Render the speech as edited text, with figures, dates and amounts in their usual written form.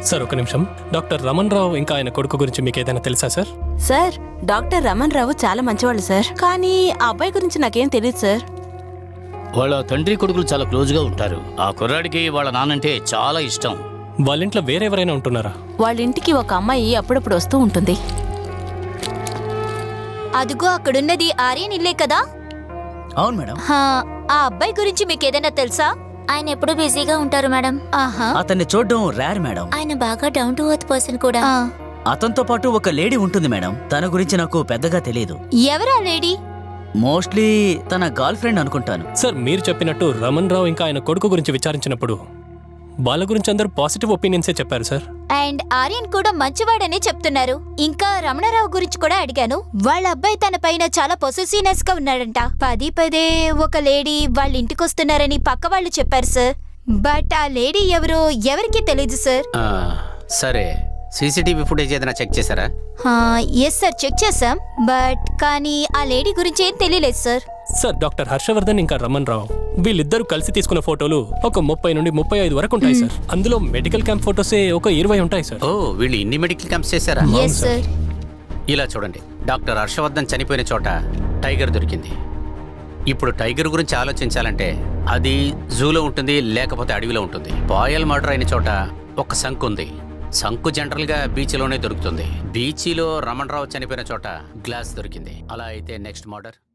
Sir ఒక నిమిషం. Doctor Raman రావు ఇంకా ఆయన కొడుకు గురించి మీకు ఏదైనా తెలుసా sir? Sir, doctor Raman Rao చాలా మంచివాళ్ళు సార్. కానీ ఆ అబ్బాయి గురించి నాకేం తెలియదు సార్. వాళ్ళ తండ్రి కొడుకులు చాలా క్లోజ్గా ఉంటారు. ఆ కుర్రాడికి వాళ్ళ నాన్నంటే చాలా ఇష్టం. వాళ్ళ ఇంట్లో వేరెవరైనా ఉంటున్నారా? వాళ్ళ ఇంటికి ఒక అమ్మాయి అప్పుడప్పుడు వస్తూ ఉంటుంది. అదిగో అక్కడున్నది ఆర్యన్ ఇల్లే కదా? అవును మేడం. ఆ అబ్బాయి గురించి మీకేదైనా తెలుసా? ఆయన ఎప్పుడు బిజీగా ఉంటారు మేడం. ఆహా. అతన్ని చూడడం రేర్ మేడం. ఆయన బాగా డౌన్ టు ఎర్త్ పర్సన్ కూడా. అతనితో పాటు ఒక లేడీ ఉంటుంది మేడం. తన గురించి నాకు పెద్దగా తెలియదు. ఎవరా లేడీ? మోస్ట్లీ తన గర్ల్ ఫ్రెండ్ అనుకుంటాను. సార్, మీరు చెప్పినట్టు రమణ్ రావు ఇంకా ఆయన కొడుకు గురించి విచారించినప్పుడు వాళ్ళ గురించి అందరూ పాజిటివ్ ఒపీనియన్సే చెప్పారు సార్. అండ్ ఆర్యన్ కూడా మంచివాడని చెప్తున్నారు. ఇంకా రమణరావు గురించి కూడా అడిగాను. వాళ్ళ అబ్బాయి తన పైన చాలా పొసెసివ్నెస్ గా ఉన్నాడంట. పదే ఒక లేడీ వాళ్ళ ఇంటికి వస్తున్నారని పక్క వాళ్ళు చెప్పారు సార్. బట్ ఆ లేడీ ఎవరో ఎవరికీ తెలీదు సార్. సరే, సీసీటీవీ ఫుటేజ్ ఏదైనా చెక్ చేశారా? ఎస్ సార్, చెక్ చేసాం. బట్ కానీ ఆ లేడీ గురించి ఏం తెలియలేదు సార్. సార్, డాక్టర్ హర్షవర్ధన్ ఇంకా రమణ్ రావు వీళ్ళిద్దరూ కలిసి తీసుకున్న ఫోటోలు ఒక 30 నుండి 35 వరకు ఉంటాయి సార్. అందులో మెడికల్ క్యాంప్ ఫోటోసే ఒక 20 ఉంటాయి సార్. ఓ, వీళ్ళు ఇన్ని మెడికల్ క్యాంప్స్ చేశారా? Yes sir. ఇలా చూడండి, డాక్టర్ హర్షవర్ధన్ చనిపోయిన చోట టైగర్ దొరికింది. ఇప్పుడు టైగర్ గురించి ఆలోచించాలంటే అది జూలో ఉంటుంది, లేకపోతే అడవిలో ఉంటుంది. పాయల్ మర్డర్ అయిన చోట ఒక శంకు ఉంది. శంకు జనరల్ గా బీచ్లోనే దొరుకుతుంది. బీచ్లో రమణ్ రావు చనిపోయిన చోట గ్లాస్ దొరికింది. అలా అయితే నెక్స్ట్ మర్డర్